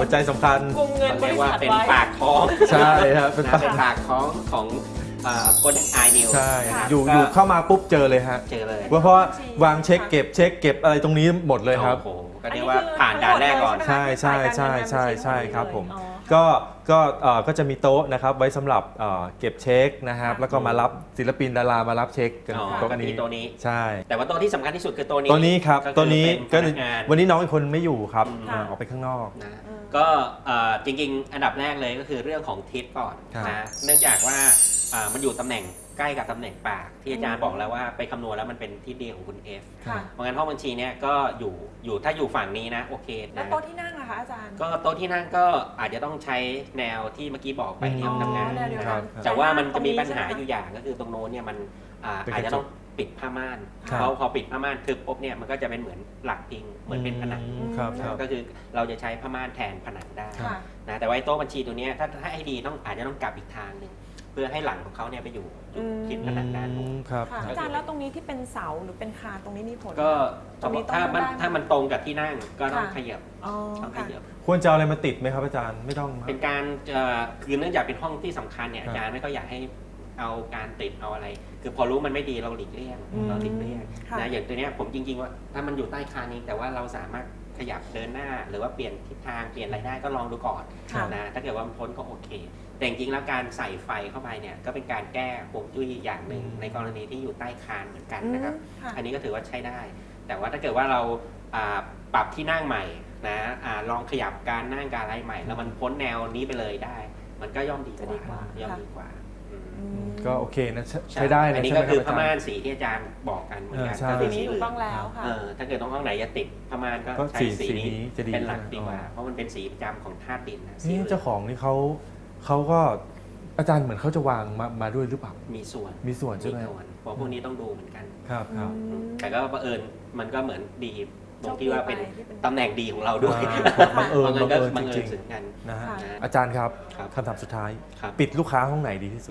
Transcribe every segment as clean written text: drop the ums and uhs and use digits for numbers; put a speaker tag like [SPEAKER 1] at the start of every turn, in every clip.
[SPEAKER 1] หัวใจสำคัญ
[SPEAKER 2] กุมเงินบ
[SPEAKER 3] เรีย
[SPEAKER 2] ริ
[SPEAKER 3] กว่า
[SPEAKER 2] ษัท
[SPEAKER 3] เป็น
[SPEAKER 2] ไว้
[SPEAKER 3] ปากท้อง
[SPEAKER 1] ใช่ครับเป็น
[SPEAKER 3] เป็นปากท้องของGolden Eye News
[SPEAKER 1] ใช่
[SPEAKER 2] ค่ะ
[SPEAKER 1] อยู่เข้ามาปุ๊บเจอเลยฮะ
[SPEAKER 3] เจอเลย
[SPEAKER 1] เพราะวางเช็คเก็บอะไรตรงนี้หมดเลยครับ
[SPEAKER 3] โอ้โหก็เรียกว่าผ่านด่านแรกก่อน
[SPEAKER 1] ใช่ครับผม ก็จะมีโต๊ะนะครับไว้สำหรับเก็บเช็คนะครับแล้วก็มารับศิลปินดารามารับเช็คกัน
[SPEAKER 3] อ๋อ
[SPEAKER 1] โต๊ะ
[SPEAKER 3] ก็มี
[SPEAKER 1] นี้
[SPEAKER 3] โต๊ะนี้
[SPEAKER 1] ใช่
[SPEAKER 3] แต่ว่าโต๊ะที่สำคัญที่สุดคือโต๊ะนี้
[SPEAKER 1] ตัวนี้ครับ
[SPEAKER 3] ก็คือ
[SPEAKER 1] ตัวนี้ก็
[SPEAKER 3] เป็นพนักงาน
[SPEAKER 1] วันนี้น้องอีกคนไม่อยู่ครับ
[SPEAKER 2] ค่ะ
[SPEAKER 1] ออกไปข้างนอก
[SPEAKER 3] นะก็จริงๆ อันดับแรกเลยก็คือเรื่องของทิศก่อน
[SPEAKER 1] ครับ
[SPEAKER 3] นะเนื่องจากว่ามันอยู่ตำแหน่งใกล้กับตำแหน่งปากที่อาจารย์บอกแล้วว่าไปคำนวณแล้วมันเป็นทิศดีของคุณ F
[SPEAKER 2] ค่ะ
[SPEAKER 3] เพราะงั้นห้องบัญชีเนี่ยก็อยู่ถ้าอยู่ฝั่งนี้นะโอเค
[SPEAKER 2] แล้ว
[SPEAKER 3] นะ
[SPEAKER 2] โต๊ะที่นั่งนะคะอาจารย์
[SPEAKER 3] ก็โต๊ะที่นั่งก็อาจจะต้องใช้แนวที่เมื่อกี้บอกไปที่
[SPEAKER 2] อ๋อ
[SPEAKER 3] ทำงาน
[SPEAKER 2] แนวเดียวกัน
[SPEAKER 3] แต่ว่ามันจะมีปัญหา
[SPEAKER 2] ตรงนี้ใช่ไหมคะ
[SPEAKER 3] อยู่อย่างก็คือตรงโน้นเนี่ยมัน
[SPEAKER 1] เป็น
[SPEAKER 3] อาจ
[SPEAKER 1] กระจก
[SPEAKER 3] จะต้องปิดผ้าม่าน
[SPEAKER 1] ครับ
[SPEAKER 3] เพราะพอปิดผ้าม่านทึบปุ๊บเนี่ยมันก็จะเป็นเหมือนหลักพิงเหมือนเป็นผนัง
[SPEAKER 1] ครับ
[SPEAKER 3] นะก็คือเราจะใช้ผ้าม่านแทนผนังได้
[SPEAKER 2] ค่ะ
[SPEAKER 3] นะแต่ว่าไอ้โต๊ะบัญชีตัวเนี้ยถ้าให้ดีอาจจะต้องกลับอีกทางหนึ่งเพื่อให้หลังของเขาเนี่ยไปอยู่จุดทิศผนังด้านนู้น
[SPEAKER 1] ครับ
[SPEAKER 2] ค่ะอาจารย์แล้วตรงนี้ที่เป็นเสาหรือเป็นคานตรงนี้มีผล
[SPEAKER 3] ก็
[SPEAKER 2] ตรงนี้ต้อง
[SPEAKER 3] ถ้ามันตรงกับที่นั่งก็ต้อง
[SPEAKER 2] ค่ะ
[SPEAKER 3] ขยับ
[SPEAKER 2] อ๋อ
[SPEAKER 3] ต้องข
[SPEAKER 2] ค่ะ
[SPEAKER 3] ยับ
[SPEAKER 1] ควรจะเอาอะไรมาติดไหมครับอาจารย์ไม่ต้องครับ
[SPEAKER 3] เป็นการคือเนื่องจากเป็นห้องที่สำคัญเนี่ย
[SPEAKER 1] ครับ
[SPEAKER 3] อาจารย์ไม่ก็อยากให้เอาการติดเอาอะไร คือพอรู้มันไม่ดีเราหลีกเลี่ยง
[SPEAKER 2] อืม
[SPEAKER 3] เราหลีกเลี่ยง
[SPEAKER 2] ค่ะ
[SPEAKER 3] นะอย่างตัวเนี้ยผมจริงๆว่าถ้ามันอยู่ใต้คานนี้แต่ว่าเราสามารถขยับเดินหน้า หรือว่าเปลี่ยนทิศทางเปลี่ยนอะไรได้ก็ลองดูก่อน
[SPEAKER 2] ค่ะ
[SPEAKER 3] นะถ้าเกิดว่ามันพ้นก็โอเค แต่จริงๆแล้วการใส่ไฟเข้าไปเนี่ยก็เป็นการแก้ฮวงจุ้ยอย่างหนึ่งในกรณีที่อยู่ใต้คานเหมือนกันนะครับ
[SPEAKER 2] ค่ะ
[SPEAKER 3] อันนี้ก็ถือว่าใช้ได้ แต่ว่าถ้าเกิดว่าเราปรับที่นั่งใหม่นะลองขยับการนั่งการอะไรใหม่ แล้วมันพ้นแนวนี้ไปเลยได้ มันก็ย่อมดีก
[SPEAKER 2] จะดีกว่า
[SPEAKER 3] ว่าย่อมดีกว่าอืม
[SPEAKER 2] อืม
[SPEAKER 1] ก็โอเคนะใช้ได้
[SPEAKER 3] อั
[SPEAKER 1] นะ
[SPEAKER 3] นนี้
[SPEAKER 1] ใช่ไห
[SPEAKER 3] ก็
[SPEAKER 1] มค
[SPEAKER 3] คื
[SPEAKER 1] รั
[SPEAKER 3] อบ ผ้า
[SPEAKER 1] อาจาร
[SPEAKER 3] ม่าน
[SPEAKER 1] ย์
[SPEAKER 3] สีที่อาจารย์บอกกันเหมือนกัน
[SPEAKER 1] ใช่
[SPEAKER 3] ก็
[SPEAKER 2] ที
[SPEAKER 3] คือ
[SPEAKER 2] นี้
[SPEAKER 3] สี
[SPEAKER 2] ถูก
[SPEAKER 3] อื่น
[SPEAKER 2] ต้องแล้วค่ะ
[SPEAKER 3] ถ้าเกิดต้องห้องไหนจะติดผ้าม่านก็
[SPEAKER 1] ก็
[SPEAKER 3] ใช้
[SPEAKER 1] สี
[SPEAKER 3] สี
[SPEAKER 1] นี้จะดี
[SPEAKER 3] เป็นหลักดีกว่า
[SPEAKER 1] อ๋อ
[SPEAKER 3] เพราะมันเป็นสีประจำของธาตุดินนะสี
[SPEAKER 1] นี่
[SPEAKER 3] อื่น
[SPEAKER 1] เจ้าของนี่เขาก็อาจารย์เหมือนเขาจะวางมาด้วยหรือเปล่า
[SPEAKER 3] มีส่วน
[SPEAKER 1] มีส่วนใช่ไหม
[SPEAKER 3] ส่วนเพราะพวกนี้ต้องดูเหมือนกัน
[SPEAKER 1] ครับครับ
[SPEAKER 3] แต่ก็บังเอิญมันก็เหมือนดีตรงที่ว่าเป็น
[SPEAKER 2] โชคดีไปที่เป็น
[SPEAKER 3] ตำแหน่งดีของเราด้วย
[SPEAKER 1] บังเอิญ
[SPEAKER 3] ก็
[SPEAKER 1] บังเอิญ
[SPEAKER 3] บัง
[SPEAKER 1] จ
[SPEAKER 3] เอิ
[SPEAKER 1] ริ
[SPEAKER 3] ญ
[SPEAKER 1] ง
[SPEAKER 3] สึงกัน
[SPEAKER 1] ๆนะฮะ
[SPEAKER 2] ค่ะ
[SPEAKER 1] อาจารย์ครับ
[SPEAKER 3] ครับ
[SPEAKER 1] คำถามสุดท้าย
[SPEAKER 3] ครับ
[SPEAKER 1] ปิดลูกค้าห้องไหนดีที่สุด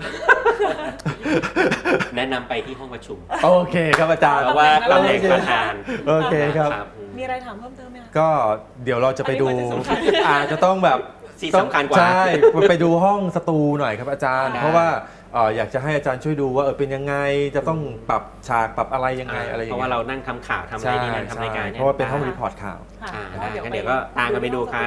[SPEAKER 3] แนะนำไปที่ห้องประชุม
[SPEAKER 1] โอเคครับอาจารย์
[SPEAKER 3] เพราะว่าตำแหน่งประธาน
[SPEAKER 1] โอเคครับ
[SPEAKER 2] มีอะไรถามเพิ่มเติมไหมคะ
[SPEAKER 1] ก็เดี๋ยวเราจะไปดู
[SPEAKER 2] อันนี้มันจะสำคัญ
[SPEAKER 1] อาจจะต้องแบบ
[SPEAKER 3] ที่สำคัญกว่า
[SPEAKER 1] ใช่ไปดูห้องสตูหน่อยครับอาจารย์
[SPEAKER 3] ได้
[SPEAKER 1] เพราะว่าอยากจะให้อาจารย์ช่วยดูว่าเป็นยังไงจะต้องปรับฉากปรับอะไรยังไงอะไรอย่าง
[SPEAKER 3] เพราะ
[SPEAKER 1] เงี้
[SPEAKER 3] ว่าย เรานั่งทำข่าวทำอะไร
[SPEAKER 1] ใช่
[SPEAKER 3] นี่นั่นทำรายการ
[SPEAKER 1] ใช่
[SPEAKER 3] เนี่ย
[SPEAKER 1] เพราะว่าเป็นห้องรีพอร์ตข่าว
[SPEAKER 2] ค่ะ
[SPEAKER 3] ได้งั้นเดี๋ยวก็ตามกันไปดูครับ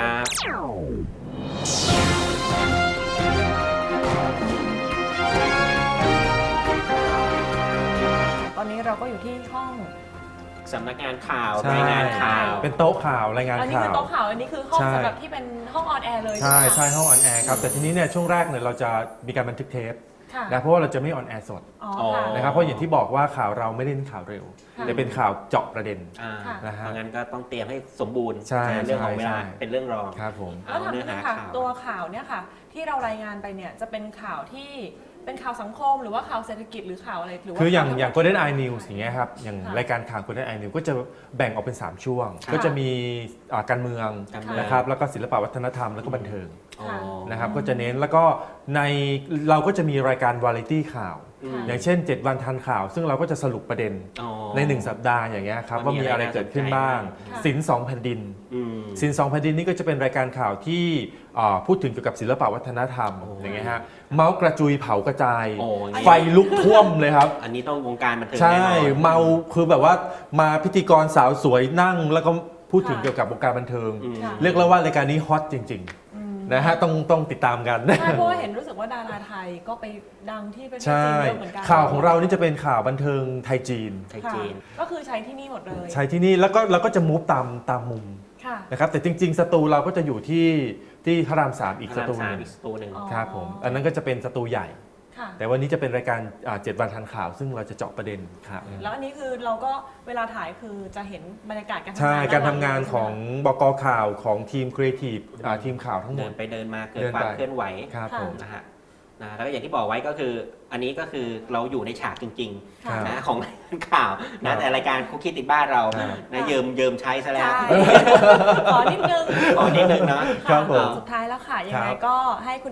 [SPEAKER 2] ตอนนี้เราก็อยู่ที่ห้อง
[SPEAKER 3] สำนักงานข่าว
[SPEAKER 1] ใช่
[SPEAKER 3] รายงานข่าว
[SPEAKER 1] เป็นโต๊ะข่าวรายงาน
[SPEAKER 2] อันนี้
[SPEAKER 1] ข่า
[SPEAKER 2] คือ
[SPEAKER 1] ว
[SPEAKER 2] โต๊ะข่าวอันนี้คือห้อง
[SPEAKER 1] ใช่
[SPEAKER 2] สำหรับที่เป็นห้องออนแอร์เลย
[SPEAKER 1] ใช่
[SPEAKER 2] ไหมคะ
[SPEAKER 1] ใช่ห้องออนแอร์ครับแต่ทีนี้เนี่ยช่วงแรกเนี่ยเราจะมีการบันทึกเทป
[SPEAKER 2] ค่ะ
[SPEAKER 1] นะเพราะว่าเราจะไม่ออนแอร์สด
[SPEAKER 2] อ๋อค่ะ
[SPEAKER 1] นะครับเพราะอย่างที่บอกว่าข่าวเราไม่ได้เน้นข่าวเร็ว
[SPEAKER 2] ค่ะ
[SPEAKER 1] แต่เป็นข่าวเจาะประเด็น
[SPEAKER 3] อ่า
[SPEAKER 2] ค่ะ
[SPEAKER 1] นะฮะ
[SPEAKER 3] เพราะงั้นก็ต้องเตรียมให้สมบูรณ์
[SPEAKER 1] ใช่
[SPEAKER 3] เรื่องของเวลา
[SPEAKER 1] ใช่
[SPEAKER 3] เป็นเรื่องรอง
[SPEAKER 1] ครับผม
[SPEAKER 2] แล้วถามนิดนึงค่ะ
[SPEAKER 3] เอาเนื้อหาข่าว
[SPEAKER 2] ตัวข่าวเนี่ยค่ะ ที่เรารายงานไปเนี่ยจะเป็นข่าวที่เป็นข่าวสังคมหรือว่าข่าวเศรษฐกิจหรือข่าวอะไรหรือว่า
[SPEAKER 1] คืออย่าง
[SPEAKER 2] ข่ว
[SPEAKER 1] อย่าง Golden Eye News อย่างเงี้ยครับอย่าง
[SPEAKER 2] ค่ะ
[SPEAKER 1] รายการข่าว Golden Eye News ก็จะแบ่งออกเป็น 3 ช่วง
[SPEAKER 3] ค่ะ
[SPEAKER 1] ก็จะมีการเมือง
[SPEAKER 3] การเมือง
[SPEAKER 1] นะครับแล้วก็ศิลปวัฒนธรรมแล้วก็บันเทิง
[SPEAKER 3] อ๋อ
[SPEAKER 1] นะครับก็จะเน้นแล้วก็ในเราก็จะมีรายการวาไรตี้ข่าว
[SPEAKER 3] อืม
[SPEAKER 1] อย่างเช่น 7 วันทันข่าว ซึ่งเราก็จะสรุปประเด็น
[SPEAKER 3] อ๋อ
[SPEAKER 1] ใน 1 สัปดาห์อย่างเงี้ยครับ
[SPEAKER 3] ว่า
[SPEAKER 1] ว่า
[SPEAKER 3] มี
[SPEAKER 1] มีอะไร
[SPEAKER 3] อะไร
[SPEAKER 1] เกิดขึ้นบ้าง
[SPEAKER 3] น่าสนใจบ้าง
[SPEAKER 1] สินสองแผ่นดิน
[SPEAKER 3] อืม
[SPEAKER 1] สินสองแผ่นดินนี่ก็จะเป็นรายการข่าวที่พูดถึงเกี่ยวกับศิลปวัฒนธรรม
[SPEAKER 3] โอ้
[SPEAKER 1] อย่างเงี้ยฮะเมาส์กระจุยเผากระจาย
[SPEAKER 3] โอ้ย
[SPEAKER 1] ไฟลุกท่วมเลยครับ
[SPEAKER 3] อันนี้ต้องวงการบันเทิง
[SPEAKER 1] ใช่
[SPEAKER 3] แน่นอน
[SPEAKER 1] เมาคือแบบว่ามาพิธีกรสาวสวยนั่ง แล้วก็พูดถึง
[SPEAKER 2] ค่ะ
[SPEAKER 1] เกี่ยวกับวงการบันเทิง
[SPEAKER 3] อืม
[SPEAKER 2] ค่ะ
[SPEAKER 1] เรียกแล้วว่ารายการนี้ฮอตจริง
[SPEAKER 2] อืม
[SPEAKER 1] ๆนะฮะต้องติดตามกัน
[SPEAKER 2] ใช่เพราะว่าเห็นรู้สึกว่าดาราไทยก็ไปดังที่ประเทศ
[SPEAKER 1] ใช่
[SPEAKER 2] จีนเยอะเหมือนกัน
[SPEAKER 1] ข่าวของเรานี่จะเป็นข่าวบันเทิงไทยจีน
[SPEAKER 3] ไทย
[SPEAKER 2] ค่ะ
[SPEAKER 3] จีน
[SPEAKER 2] ก็คือใช้ที่นี่หมดเลย
[SPEAKER 1] ใช้ที่นี่แล้วก็เราก็จะมูฟตามมุม
[SPEAKER 2] ค่ะ
[SPEAKER 1] นะครับแต่จริง ๆ สตูเราก็จะอยู่ที่พระรามสามอีกสตูห
[SPEAKER 3] พระราม
[SPEAKER 1] นึง
[SPEAKER 3] อีกสตูหนึ่ง
[SPEAKER 2] อ๋อ
[SPEAKER 1] ครับผมอันนั้นก็จะเป็นสตูใหญ่
[SPEAKER 2] ค่ะ
[SPEAKER 1] แต่วันนี้จะเป็นรายการ7 วันทันข่าว ซึ่งเราจะเจาะประเด็นครับ
[SPEAKER 2] แล้วอันนี้คือเราก็เวลาถ่ายคือจะเห็นบรรยากาศการทำงาน
[SPEAKER 1] ใช่การทำงาน
[SPEAKER 2] ใช่ไหม
[SPEAKER 1] ของบกข่าวของทีมครีเอทีฟทีมข่าวทั้งหม
[SPEAKER 3] เดิ
[SPEAKER 1] ด
[SPEAKER 3] นไปเดินมาเกิด
[SPEAKER 1] เดิน
[SPEAKER 3] ควา
[SPEAKER 1] ไป
[SPEAKER 3] มเคลื่อนไหว
[SPEAKER 1] ครับ
[SPEAKER 2] ค่ะ
[SPEAKER 1] ผม
[SPEAKER 3] นะฮะแล้วก็อย่างที่บอกไว้ก็คือ อันนี้ก็คือเราอยู่ในฉากจริง
[SPEAKER 2] ค่ะ
[SPEAKER 3] ๆนะของรายการข่าว
[SPEAKER 1] ครั
[SPEAKER 3] นะ
[SPEAKER 1] บ
[SPEAKER 3] แต่รายการคุกกี้ติดบ้านเรา
[SPEAKER 1] ครับ
[SPEAKER 3] นะเยิมใช้ซะแล้ว
[SPEAKER 2] ใช่ขอนิดนึง
[SPEAKER 3] ขอนิดนึงนะ
[SPEAKER 1] ครับผม
[SPEAKER 2] สุดท้ายแล้วค่ะ ยังไง
[SPEAKER 1] ครับ
[SPEAKER 2] ก็ให้คุณเอฟ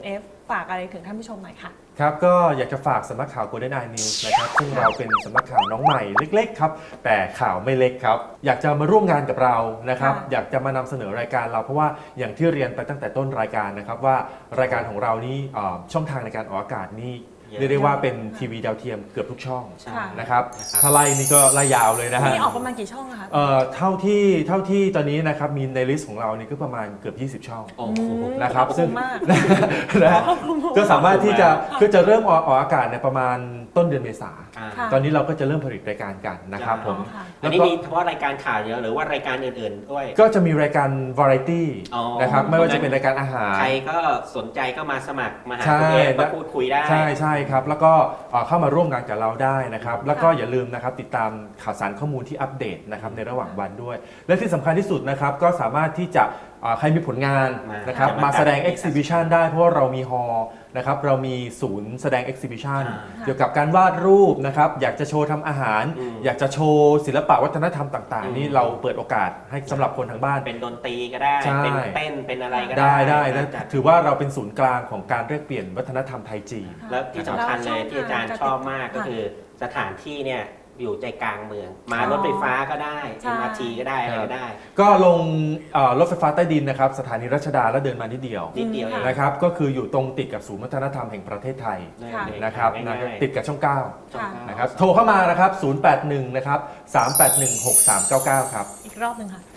[SPEAKER 2] ฝากอะไรถึงท่านผู้ชมหน่อยค่ะ
[SPEAKER 1] ครับก็อยากจะฝากสำนักข่าว Golden Eye News นะครับซึ่งเราเป็นสำนักข่าวน้องใหม่เล็กๆครับแต่ข่าวไม่เล็กครับอยากจะมาร่วมงานกับเรานะครับ
[SPEAKER 2] ค่ะ
[SPEAKER 1] อยากจะมานำเสนอรายการเราเพราะว่าอย่างที่เรียนไปตั้งแต่ต้นรายการนะครับว่ารายการของเรานี่ช่องทางในการออกอากาศนี่
[SPEAKER 3] เยอะ
[SPEAKER 1] เรียกได้ว่าเป็นทีวีดาวเทียมเกือบทุกช่อง
[SPEAKER 3] ใช่
[SPEAKER 2] ค่ะ
[SPEAKER 1] นะครับ
[SPEAKER 3] นะครับ
[SPEAKER 1] ถ้าไล่นี่ก็ไล่ยาวเลยนะฮะ
[SPEAKER 2] นี่ออกประมาณกี่ช่องอะคะ
[SPEAKER 1] เท่าที่ตอนนี้นะครับมีในลิสต์ของเรานี่ก็ประมาณเกือบ20 ช่อง
[SPEAKER 3] โอ้โห
[SPEAKER 1] นะครับ
[SPEAKER 2] ขอบ
[SPEAKER 1] ซึ่ง
[SPEAKER 2] ณมาก
[SPEAKER 1] นะฮะ
[SPEAKER 2] ขอบคุณมาก
[SPEAKER 1] ก็สามารถที่จะก็จะเริ่มออกอากาศในประมาณต้นเดือนเมษา
[SPEAKER 3] อ่า
[SPEAKER 2] ค่ะ
[SPEAKER 1] ตอนนี้เราก็จะเริ่มผลิตรายการกันนะครับผม
[SPEAKER 2] ค่ะ
[SPEAKER 3] อันนี้มีเฉพาะรายการข่าวเดียวหรือว่ารายการอื่นๆด้วย
[SPEAKER 1] ก็จะมีรายการวาไรตี้
[SPEAKER 3] อ๋อ
[SPEAKER 1] นะครับไม่ว่าจะเป็นรายการอาหาร
[SPEAKER 3] ใครก็สนใจก็มาสมัครมาหา
[SPEAKER 1] ใช่
[SPEAKER 3] คุณเอฟมาพูดคุยได้
[SPEAKER 1] ใช่ครับแล้วก็เข้ามาร่วมงานกับเราได้นะครับแล้วก็อย่าลืมนะครับติดตามข่าวสารข้อมูลที่อัปเดตนะครับในระหว่างวันด้วย และที่สำคัญที่สุดนะครับก็สามารถที่จะใครมีผลงานนะครับ
[SPEAKER 3] มา
[SPEAKER 1] มาแสดง
[SPEAKER 3] จัด
[SPEAKER 1] exhibition ได้เพราะว่าเรามีฮอลล์นะครับเรามีศูนย์แสดง exhibition
[SPEAKER 3] อ่า
[SPEAKER 1] เกี่ยวกับการวาดรูปนะครับอยากจะโชว์ทำอาหาร
[SPEAKER 3] อืม
[SPEAKER 1] อยากจะโชว์ศิลปะวัฒนธรรมต่าง
[SPEAKER 3] อืม
[SPEAKER 1] ๆ นี่เราเปิดโอกาสให้สำหรับคนทางบ้าน
[SPEAKER 3] เป็นดนตรีก็ได้
[SPEAKER 1] ใช่
[SPEAKER 3] เป็นเต้นเป็นอะไรก็ได้
[SPEAKER 1] ได้นะ
[SPEAKER 3] จัด
[SPEAKER 1] ถือว่าเราเป็นศูนย์กลางของการแลกเปลี่ยนวัฒนธรรมไทยจีน
[SPEAKER 3] แล้วที่สำคัญเลยที่อาจารย์ชอบมากก็
[SPEAKER 2] ค่ะ
[SPEAKER 3] คือสถานที่เนี่ยอยู่ใจกลางเมือง มา
[SPEAKER 2] อ๋อ
[SPEAKER 3] รถไฟฟ้าก็ได้
[SPEAKER 2] ใช่
[SPEAKER 3] MRT ก็ได้อะไรก็ได้
[SPEAKER 1] ก็ลงรถไฟฟ้าใต้ดินนะครับสถานีรัชดาแล้วเดินมานิดเดียว
[SPEAKER 3] นิดเดียวเอง
[SPEAKER 1] นะครับก็คืออยู่ตรงติดกับศูนย์วัฒนธรรมแห่งประเทศไทย
[SPEAKER 2] ค่ะ
[SPEAKER 1] นะครับ
[SPEAKER 3] ง่ายๆ
[SPEAKER 1] ติดกับช่อง
[SPEAKER 2] ค่ะ
[SPEAKER 1] 9นะครับโทรเข้ามานะครับ081นะครับ381 6399ครับ
[SPEAKER 2] อีกรอบหนึ่งค่ะ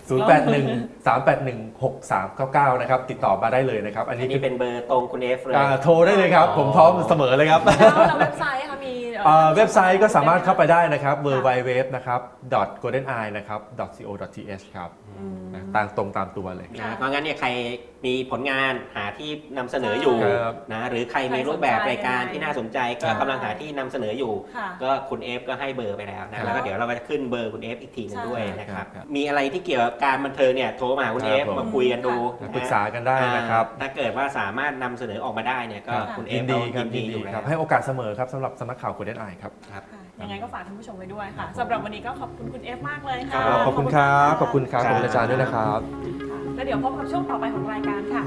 [SPEAKER 1] 081 381 6399นะครับติดต่อมาได้เลยนะครับอัน
[SPEAKER 3] อั
[SPEAKER 1] นี้
[SPEAKER 3] นนี้เป็นเบอร์ตรงคุณเอฟเลย
[SPEAKER 1] โทรได้เลยครับผมพร้อมเสมอเลยครับ
[SPEAKER 2] แล้วเว็บไซต์ค่ะมี
[SPEAKER 1] เว็บไซต์ก็สามารถเข้าไปได้นะครับ www นะครับ goldeneye นะครับ co.th ครับนะตามตรงตามตัวเลย
[SPEAKER 3] นะเพราะงั้นเนี่ยใครมีผลงานหาที่นำเสนออยู่
[SPEAKER 1] ครับ
[SPEAKER 3] นะหรือใครมีรูปแบบรายการที่น่าสนใจก็กำลังหาที่นำเสนออยู่
[SPEAKER 2] ค่ะ
[SPEAKER 3] ก็คุณเอฟก็ให้เบอร์ไปแล้ว
[SPEAKER 1] ครั
[SPEAKER 3] นะ
[SPEAKER 1] บ
[SPEAKER 3] แล้วก็เดี๋ยวเราก็จะขึ้นเบอร์คุณเอฟอีกทีหนึงด้วย
[SPEAKER 2] ใช่
[SPEAKER 3] นะครับ
[SPEAKER 1] ครับ
[SPEAKER 3] มีอะไรที่เกี่ยวกับการบันเทิงเนี่ยโทรมาหาคุณเอฟ
[SPEAKER 1] ครับผม
[SPEAKER 3] มาคุยกันดู
[SPEAKER 1] ปรึกษากันได้นะครับ
[SPEAKER 3] ถ้าเกิดว่าสามารถนำเสนอออกมาได้เนี่ยก็คุณเอ
[SPEAKER 1] ยิ
[SPEAKER 3] ฟ
[SPEAKER 1] นดีครับ
[SPEAKER 3] ยิ
[SPEAKER 1] ยิ
[SPEAKER 3] น
[SPEAKER 1] น
[SPEAKER 3] ดี
[SPEAKER 1] ดี
[SPEAKER 3] อยู่แล้ว
[SPEAKER 1] ครับให้โอกาสเสมอครับสำหรับสำนักข่าว Golden Eye ครับ
[SPEAKER 3] ครับ
[SPEAKER 2] ค่ะยังไงก็ฝากท่านผู้ชมไว้ด้วยค่ะสำหรับวันนี้ก็ขอบคุณคุณเอฟมากเลยค่ะ
[SPEAKER 1] ขอบคุณครับขอบคุณครับ
[SPEAKER 3] ค
[SPEAKER 1] ข
[SPEAKER 3] รั
[SPEAKER 1] อบ บคุณอาจารย์ด้วยนะครับ
[SPEAKER 2] แล้วเดี๋ยวพบกับช่วงต่อไปของรายการค่ะ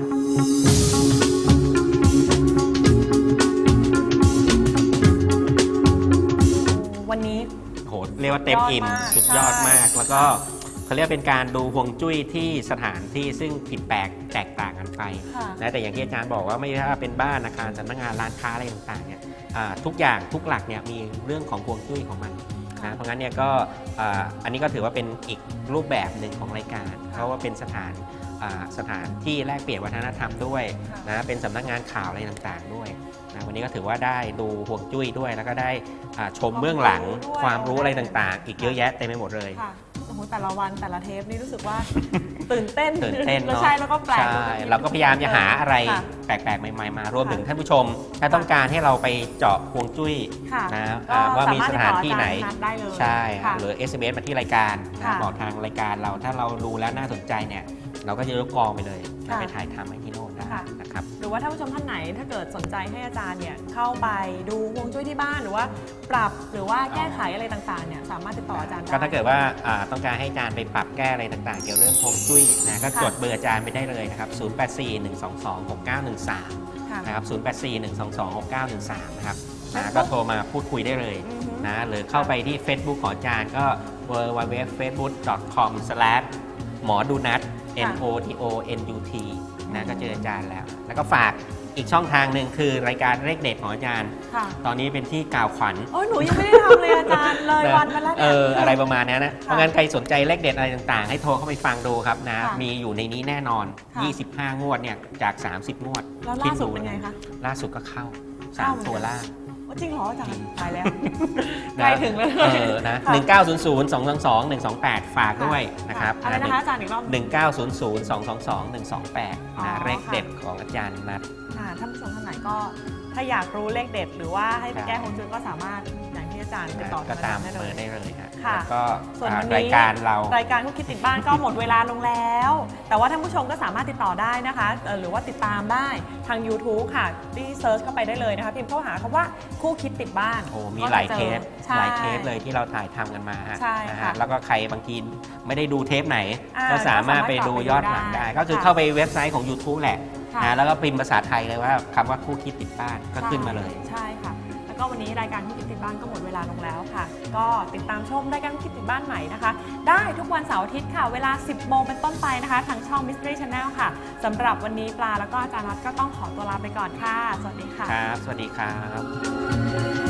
[SPEAKER 2] วันนี้
[SPEAKER 3] โหเรียกว่าเต็มอิ่ม
[SPEAKER 2] สุ
[SPEAKER 3] สุ
[SPEAKER 2] ด
[SPEAKER 3] ด
[SPEAKER 2] ย
[SPEAKER 3] ย
[SPEAKER 2] อ
[SPEAKER 3] อ
[SPEAKER 2] ดมาม
[SPEAKER 3] ดาก ก แล้วก็เขาเรียกเป็นการดูฮวงจุ้ยที่สถานที่ซึ่งผิดแปลกแตกต่างกันไป
[SPEAKER 2] ค่ะ
[SPEAKER 3] นะแต่อย่างที่อาจารย์บอกว่าไม่ว่าเป็นบ้านอาคารสำนักงานร้านค้าอะไรต่างๆเนี่ยทุกอย่างทุกหลักเนี่ยมีเรื่องของฮวงจุ้ยของมันนะเพราะงั้นเนี่ยก็อันนี้ก็ถือว่าเป็นอีกรูปแบบหนึ่งของรายการ เพราะว่าเป็นสถานที่แลกเปลี่ยนวัฒนธรรมด้วยนะเป็นสำนักงานข่าวอะไรต่างๆด้วยนะวันนี้ก็ถือว่าได้ดูฮวงจุ้ยด้วย แล้วก็ได้ชมเบื้องหลังความรู้อะไรต่างๆ อีกเยอะแยะเต็มไปหมดเลย
[SPEAKER 2] ค่ะโอ้โหแต่ละวันแต่ละเทปนี่รู้สึกว่า ตื่นเต้น
[SPEAKER 3] ตื่นเต้น
[SPEAKER 2] แล้ว
[SPEAKER 3] เนาะ
[SPEAKER 2] ใช่แล้วก็แปลก
[SPEAKER 3] ใช่เราก็พยายามจะหาอะไร
[SPEAKER 2] ค่ะ
[SPEAKER 3] แปลกๆใหม่ๆมารวมถึงท่านผู้ชม ถ้าต้องการให้เราไปเจาะฮวงจุ้ย
[SPEAKER 2] ค่ะ
[SPEAKER 3] นะ
[SPEAKER 2] ก็
[SPEAKER 3] ว่ามีสถานที่ไหน
[SPEAKER 2] สามารถติดต่ออาจารย์นัดได้เลย
[SPEAKER 3] ใช่
[SPEAKER 2] ค่ะ
[SPEAKER 3] หรือ SMS มาที่รายการนะ
[SPEAKER 2] ค่ะ
[SPEAKER 3] บอกทางรายการเราถ้าเราดูแล้วน่าสนใจเนี่ยเราก็จะยกกองไปเลย
[SPEAKER 2] ค่ะ
[SPEAKER 3] ไปถ่ายทำให้ที่โน่นได้
[SPEAKER 2] ค่ะ
[SPEAKER 3] นะครับ
[SPEAKER 2] หรือว่าท่านผู้ชมท่านไหนถ้าเกิดสนใจให้อาจารย์เนี่ยเข้าไปดูฮวงจุ้ยที่บ้านหรือว่าปรับหรือว่าแก้ไขอะไรต่างๆเนี่ยสามารถติดต่ออาจารย์ได้
[SPEAKER 3] ก็ถ้าเกิดว่าต้องการให้อาจารย์ไปปรับแก้อะไรต่างๆ เกี่ยวเรื่องฮวงจุ้ยนะก็
[SPEAKER 2] ค่ะ
[SPEAKER 3] จดเบอร์อาจารย์ไปได้เลยนะครับ 0841226913
[SPEAKER 2] ค่ะ
[SPEAKER 3] นะครับ 0841226913 นะครับนะ
[SPEAKER 2] Facebook
[SPEAKER 3] ก็โทรมาพูดคุยได้เลย
[SPEAKER 2] อือฮึ
[SPEAKER 3] นะ หรือเข้าไปที่ Facebook ของอาจารย์ก็ www.facebook.com/ หมอดูนัท NOTONUT นะก็เจออาจารย์แล้ว แล้วก็ฝากอีกช่องทางหนึ่งคือรายการเลขเด็ดของอาจารย์
[SPEAKER 2] ค่ะ
[SPEAKER 3] ตอนนี้เป็นที่กล่าวขวัญ
[SPEAKER 2] โอ้ยหนูยังไม่ได้ทำเลยอาจารย์เลยวันมาแล้วเนี่ย
[SPEAKER 3] อะไรประมาณนี้นะ เพราะงั้นใครสนใจเลขเด็ดอะไรต่างๆ ให้โทรเข้าไปฟังดูครับนะ
[SPEAKER 2] ค่ะ
[SPEAKER 3] มีอยู่ในนี้แน่นอน
[SPEAKER 2] ค่ะ
[SPEAKER 3] 25 งวดเนี่ยจาก 30 งวด
[SPEAKER 2] แล้วล่าสุดเป็นไงคะ
[SPEAKER 3] ล่าสุดก็เข้า
[SPEAKER 2] เข้าเหมือนกัน
[SPEAKER 3] 3 ตัวล่าง
[SPEAKER 2] โอ้จริงเหรออาจารย์ตายแล้ว
[SPEAKER 3] นะ
[SPEAKER 2] ใกล้ถึงแล้ว
[SPEAKER 3] นะ
[SPEAKER 2] ค่ะ
[SPEAKER 3] 1900 222 128 ฝากด้วยนะครับ
[SPEAKER 2] อะไรนะคะอาจารย์อีกรอบ
[SPEAKER 3] 1900 222 128
[SPEAKER 2] อ๋อ
[SPEAKER 3] นะเลข
[SPEAKER 2] ค่ะ
[SPEAKER 3] เด็ดของอาจารย์นัท
[SPEAKER 2] ท่านผู้ชมท่านไหนก็ถ้าอยากรู้เลขเด็ด หรือว่าให้ไป
[SPEAKER 3] ครับ
[SPEAKER 2] แก้ฮวงจุ้ยก็สามารถอย่างที่อาจารย์ติดต่อ
[SPEAKER 3] ก็ตาม
[SPEAKER 2] ได้
[SPEAKER 3] เบ
[SPEAKER 2] เล
[SPEAKER 3] อย ร์ได้เลยฮะ
[SPEAKER 2] ค่ะ
[SPEAKER 3] แล้วก็
[SPEAKER 2] ส่วนวันนี้
[SPEAKER 3] รายการเรา
[SPEAKER 2] รายการคุกคิดติดบ้านก็หมดเวลาลงแล้ว แต่ว่าท่านผู้ชมก็สามารถติดต่อได้นะคะหรือว่าติดตามได้ทาง YouTube ค่ะที่เซิร์ชเข้าไปได้เลยนะคะพิมพ์เข้าหาคำว่าคู่คิดติดบ้าน
[SPEAKER 3] โอ้มี
[SPEAKER 2] ก็จะ
[SPEAKER 3] หลายเทป
[SPEAKER 2] ใช่
[SPEAKER 3] หลายเทปเลยที่เราถ่ายทำกันมาฮะ
[SPEAKER 2] ใช่
[SPEAKER 3] นะ
[SPEAKER 2] ค่ะ
[SPEAKER 3] ฮะแล้วก็ใครบางทีไม่ได้ดูเทปไหน
[SPEAKER 2] อ่า
[SPEAKER 3] ก็สามารถไปดูย้อนหลังได้
[SPEAKER 2] ก็สามารถ
[SPEAKER 3] ก็คือ
[SPEAKER 2] ค่ะ
[SPEAKER 3] เข้าไปเว็บไซต์ของ YouTube แหละ
[SPEAKER 2] ค่ะ
[SPEAKER 3] นะแล้วก็พิมพ์ภาษาไทยเลยว่าคำว่าคู่คิดติดบ้านก็ขึ้นมาเลย
[SPEAKER 2] ใช่ค่ะ แล้วก็วันนี้รายการคู่คิดติดบ้านก็หมดเวลาลงแล้วค่ะ ก็ติดตามชมรายการคู่คิดติดบ้านใหม่นะคะ ได้ทุกวันเสาร์อาทิตย์ค่ะ เวลา 10 โมงเป็นต้นไปนะคะทางช่อง Mystery Channel ค่ะสำหรับวันนี้ปลาแล้วก็อาจารย์น็อตก็ต้องขอตัวลาไปก่อนค่ะ สวัสดีค่ะ
[SPEAKER 3] ครับ สวัสดีครับ